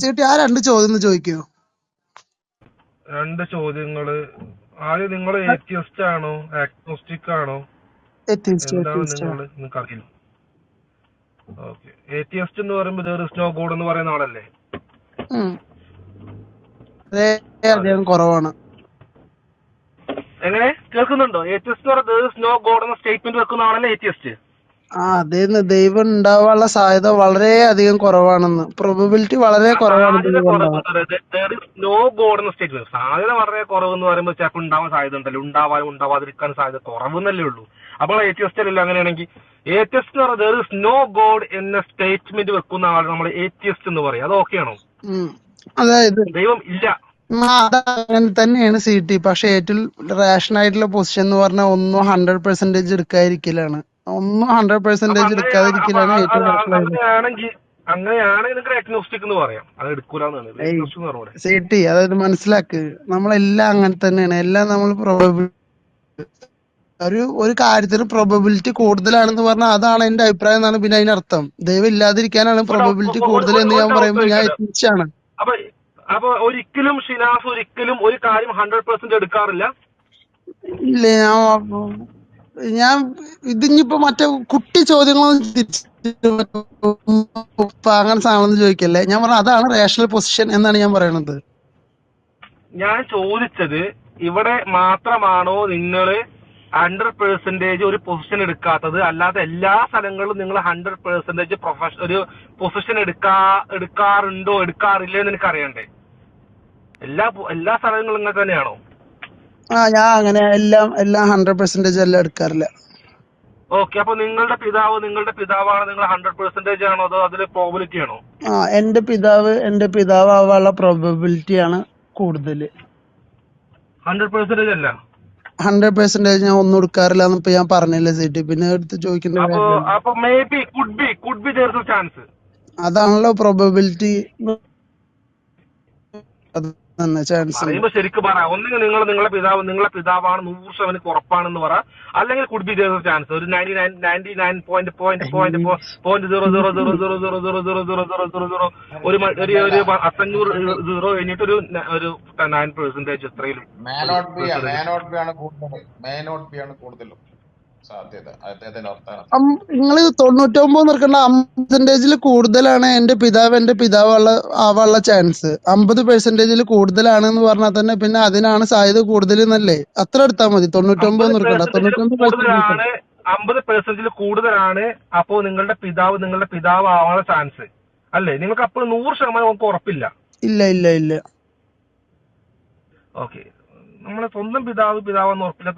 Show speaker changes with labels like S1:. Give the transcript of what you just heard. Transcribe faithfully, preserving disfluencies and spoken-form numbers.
S1: സീട്ടി ആ രണ്ട് ചോദ്യം ഒന്ന് ചോദിക്കോ?
S2: രണ്ട് ചോദ്യങ്ങള്. ആദ്യം നിങ്ങൾ ഏത്തിയസ്റ്റ് ആണോ ആഗ്നോസ്റ്റിക് ആണോ
S1: എത്തിസ്റ്റ്
S2: എന്താണ്
S1: എത്തിസ്റ്റ്
S2: നിങ്ങൾ? നിങ്ങൾക്ക് അറിയില്ല. ഓക്കെ. ഏത്തിയസ്റ്റ് എന്ന് പറയുമ്പോൾ there is no God എന്ന് പറയുന്ന ആളല്ലേ?
S1: അതെ
S2: അതെ.
S1: അദ്ദേഹം കുറവാണ്.
S2: എങ്ങനെ കേൾക്കുന്നുണ്ടോ? ഏത്തിയസ്റ്റ് എന്ന് പറയുന്നത് there is no God എന്ന സ്റ്റേറ്റ്മെന്റ് വെക്കുന്ന ആളല്ലേ ഏത്തിയസ്റ്റ്?
S1: ആ അതേന്ന് ദൈവം ഉണ്ടാവാനുള്ള സാധ്യത വളരെ അധികം കുറവാണെന്ന്, പ്രോബബിലിറ്റി വളരെ
S2: ആ
S1: കുറവാണ്
S2: സാധ്യത
S1: ദൈവം
S2: കുറവ്.
S1: ഉണ്ടാവാൻ.
S2: there is no God എന്ന സ്റ്റേറ്റ്മെന്റ് സാധ്യത വളരെ കുറവ് എന്ന് പറയുമ്പോൾ ചിലപ്പോൾ ഉണ്ടാവാൻ സാധ്യത ഉണ്ടല്ലോ, ഉണ്ടാവാനും ഉണ്ടാവാതിരിക്കാൻ സാധ്യത കുറവെന്നല്ലേ ഉള്ളൂ. അപ്പോൾ ഏത്തിയസ്റ്റ് അല്ലല്ലോ അങ്ങനെയാണെങ്കിൽ? ഏത്തിയസ്റ്റ് എന്ന് പറഞ്ഞാൽ there is no God എന്ന സ്റ്റേറ്റ്മെന്റ് വെക്കുന്ന ആൾ നമ്മൾ ഏത്തിയസ്റ്റ് എന്ന് പറയും. അത് ഓക്കെ ആണോ?
S1: ഉം. അതായത്
S2: ദൈവം ഇല്ല.
S1: ആ, അത് അങ്ങനെ തന്നെയാണ് സി ടി. പക്ഷെ ഏറ്റവും റാഷണൽ ആയിട്ടുള്ള പൊസിഷൻ എന്ന് പറഞ്ഞാൽ ഒന്നും ഹൺഡ്രഡ് പെർസെന്റേജ് എടുക്കാതിരിക്കലാണ്. ഒന്നും ഹൺഡ്രഡ്
S2: അപ്പൊ
S1: പെർസെന്റേജ്
S2: അങ്ങനെ അപ്പൊ
S1: എടുക്കാതിരിക്കലാണ്
S2: അ-
S1: ഏറ്റവും
S2: അത്
S1: റാഷണൽ ആയിട്ടുള്ളത്.
S2: അങ്ങനെയാണെങ്കിൽ അങ്ങനെയാണെങ്കിൽ നിങ്ങൾക്ക് അഗ്നോസ്റ്റിക് എന്ന് പറയാം. അത് എടുക്കൂലെന്നാണ്
S1: ഏയ്
S2: അഗ്നോസ്റ്റിക് എന്ന് പറഞ്ഞൂടെ?
S1: സി ടി, അതായത് മനസ്സിലാക്ക്, നമ്മളെല്ലാം അങ്ങനെ തന്നെയാണ്. എല്ലാം നമ്മൾ പ്രോബബിൾ ഒരു ഒരു കാര്യത്തിന് പ്രോബബിലിറ്റി കൂടുതലാണെന്ന് പറഞ്ഞാൽ അതാണ് എന്റെ അഭിപ്രായം എന്നാണ് പിന്നെ അതിനർത്ഥം. ദൈവം ഇല്ലാതിരിക്കാനാണ്
S2: ഒരു ഡൗ-
S1: പ്രോബബിലിറ്റി
S2: ഒ- ഒ-
S1: കൂടുതൽ
S2: ഒരു
S1: എന്ന്
S2: ഒരു
S1: ഞാൻ
S2: ഡൗട്ട്
S1: പറയുമ്പോൾ ഞാൻ
S2: ചോദിക്കട്ടെ.
S1: എത്തിച്ചാണ്.
S2: അപ്പൊ അപ്പൊ ഒരിക്കലും ഷിനാസ് ഒരിക്കലും ഒരു കാര്യം ഹൺഡ്രഡ് പെർസെന്റ് എടുക്കാറില്ല.
S1: ഇല്ല, ഞാൻ ഞാൻ ഇതിഞ്ഞിപ്പോ മറ്റേ കുട്ടി ചോദ്യങ്ങളൊന്നും തിരിച്ച് ഉപ്പ അങ്ങനെ സാധനം ചോദിക്കല്ലേ. ഞാൻ പറഞ്ഞ അതാണ് റേഷണൽ പൊസിഷൻ എന്നാണ് ഞാൻ പറയണത്.
S2: ഞാൻ ചോദിച്ചത് ഇവിടെ മാത്രമാണോ നിങ്ങൾ ഹൺഡ്രഡ് പെർസെന്റേജ് ഒരു പൊസിഷൻ എടുക്കാത്തത്, അല്ലാതെ എല്ലാ സ്ഥലങ്ങളിലും നിങ്ങൾ ഹൺഡ്രഡ് പെർസെന്റേജ് പ്രൊഫഷൻ ഒരു പൊസിഷൻ എടുക്കാ എടുക്കാറുണ്ടോ എടുക്കാറില്ലേ എന്ന് എനിക്ക് അറിയണ്ടേ? എല്ലാ പൊ- എല്ലാ സ്ഥലങ്ങളും ഇങ്ങനെ തന്നെയാണോ?
S1: ആ ഞാൻ അങ്ങനെ എല്ലാം എല്ലാം ഹൺഡ്രഡ് പെർസെന്റേജ് എല്ലാം എടുക്കാറില്ല.
S2: ഓക്കെ. അപ്പൊ നിങ്ങളുടെ പിതാവ് നിങ്ങളുടെ പിതാവാണ് നിങ്ങൾ ഹൺഡ്രഡ് പെർസെന്റേജ് ആണോ അതോ അതിൽ പ്രോബിലിറ്റി ആണോ?
S1: ആ എന്റെ പിതാവ് എന്റെ പിതാവ് ആവാനുള്ള പ്രോബബിലിറ്റി ആണ് കൂടുതൽ.
S2: ഹൺഡ്രഡ് പെർസെന്റേജ് അല്ല.
S1: ഹൺഡ്രഡ് പെർസെന്റേജ് ഞാൻ ഒന്നും എടുക്കാറില്ല എന്ന് ഇപ്പൊ ഞാൻ പറഞ്ഞില്ലേ സീറ്റ്, പിന്നെ എടുത്ത് ചോദിക്കേണ്ട
S2: അപ്പൊ
S1: കാര്യമില്ല.
S2: അപ്പൊ may be could be could be there is chance.
S1: അതാണല്ലോ പ്രോബബിലിറ്റി. അത് തന്നെ ചാൻസ് ഉണ്ട്.
S2: പറയുമ്പോ ശരിക്കും പറ. ഒന്നെങ്കിൽ നിങ്ങൾ നിങ്ങളുടെ പിതാവ് നിങ്ങളുടെ പിതാവാണ് നൂറ് ശതമാനം ഉറപ്പാണെന്ന് പറ, അല്ലെങ്കിൽ could be there is chance ഒരു ninety nine ninety nine point point point point zero zero zero zero zero zero zero zero zero zero zero ഒരു മ- ഒരു ഒരു പത്തഞ്ഞൂറ് സീറോ കഴിഞ്ഞിട്ട് ഒരു ന- ഒരു നയൻ പെർസെന്റേജ് എത്രയിലും
S3: മേ
S2: ഒരു
S3: not be may
S2: percentage.
S3: Not be ആണ് കൂടുതൽ മേ നോട്ട് ബി ആണ് കൂടുതലും സാധ്യത അദ്ദേഹത്തിന്റെ വർത്തമാനം.
S1: നിങ്ങൾ തൊണ്ണൂറ്റൊമ്പത് നിൽക്കേണ്ട അമ്പത് പെർസെന്റേജിൽ കൂടുതലാണ് എന്റെ പിതാവ് എന്റെ പിതാവുള്ള ആവാനുള്ള ചാൻസ്. അമ്പത് പെർസെന്റേജിൽ കൂടുതലാണ് എന്ന് പറഞ്ഞാൽ തന്നെ പിന്നെ അതിനാണ് സാധ്യത കൂടുതൽ എന്നല്ലേ. അത്ര എടുത്താൽ മതി. തൊണ്ണൂറ്റൊമ്പത്
S2: അമ്പത്
S1: നിൽക്കണ്ട,
S2: പെർസെന്റേജിൽ
S1: തൊണ്ണൂറ്റൊമ്പത് പെർസെന്റേജ്.
S2: കൂടുതലാണ് അമ്പത് പെർസെന്റേജിൽ കൂടുതലാണ് അപ്പോ നിങ്ങളുടെ പിതാവ് നിങ്ങളുടെ പിതാവ് ആവാനുള്ള ചാൻസ് അല്ലേ? നിങ്ങൾക്ക് അപ്പോൾ നൂറ് ശതമാനം നമുക്ക് ഉറപ്പില്ല.
S1: ഇല്ല ഇല്ല ഇല്ല.
S2: ഓക്കെ. നമ്മളെ സ്വന്തം പിതാവ് പിതാവെന്ന് ഉറപ്പില്ല.